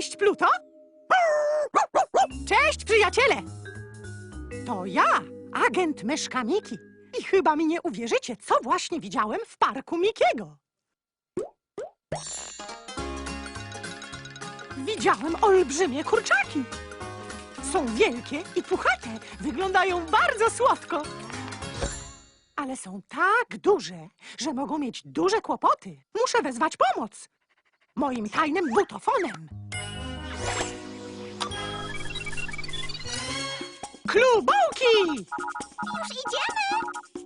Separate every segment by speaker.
Speaker 1: Cześć, Pluto! Cześć, przyjaciele! To ja, agent myszka Miki. I chyba mi nie uwierzycie, co właśnie widziałem w parku Mikiego. Widziałem olbrzymie kurczaki. Są wielkie i puchate. Wyglądają bardzo słodko. Ale są tak duże, że mogą mieć duże kłopoty. Muszę wezwać pomoc. Moim tajnym butofonem. Klubołki!
Speaker 2: Już idziemy!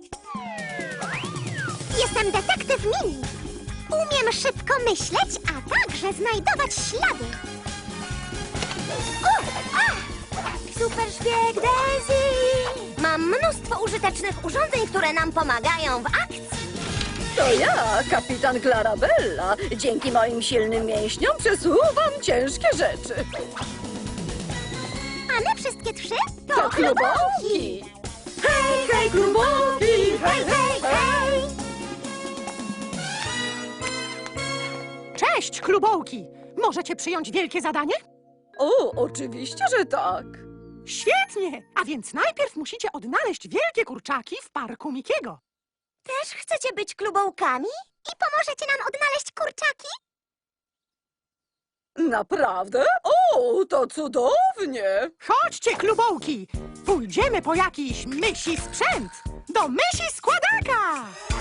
Speaker 2: Jestem detektyw Mini. Umiem szybko myśleć, a także znajdować ślady. Super szpieg Daisy! Mam mnóstwo użytecznych urządzeń, które nam pomagają w akcji.
Speaker 3: To ja, kapitan Clarabella. Dzięki moim silnym mięśniom przesuwam ciężkie rzeczy.
Speaker 2: A my wszystkie trzy
Speaker 3: To klubołki! Hej, hej, klubołki!
Speaker 2: Hej, hej, hej!
Speaker 1: Cześć, klubołki! Możecie przyjąć wielkie zadanie?
Speaker 3: O, oczywiście, że tak.
Speaker 1: Świetnie! A więc najpierw musicie odnaleźć wielkie kurczaki w parku Mikiego.
Speaker 2: Też chcecie być klubołkami? I pomożecie nam odnaleźć kurczaki?
Speaker 3: Naprawdę? O, to cudownie!
Speaker 1: Chodźcie, klubołki! Pójdziemy po jakiś mysi sprzęt! Do mysi składaka!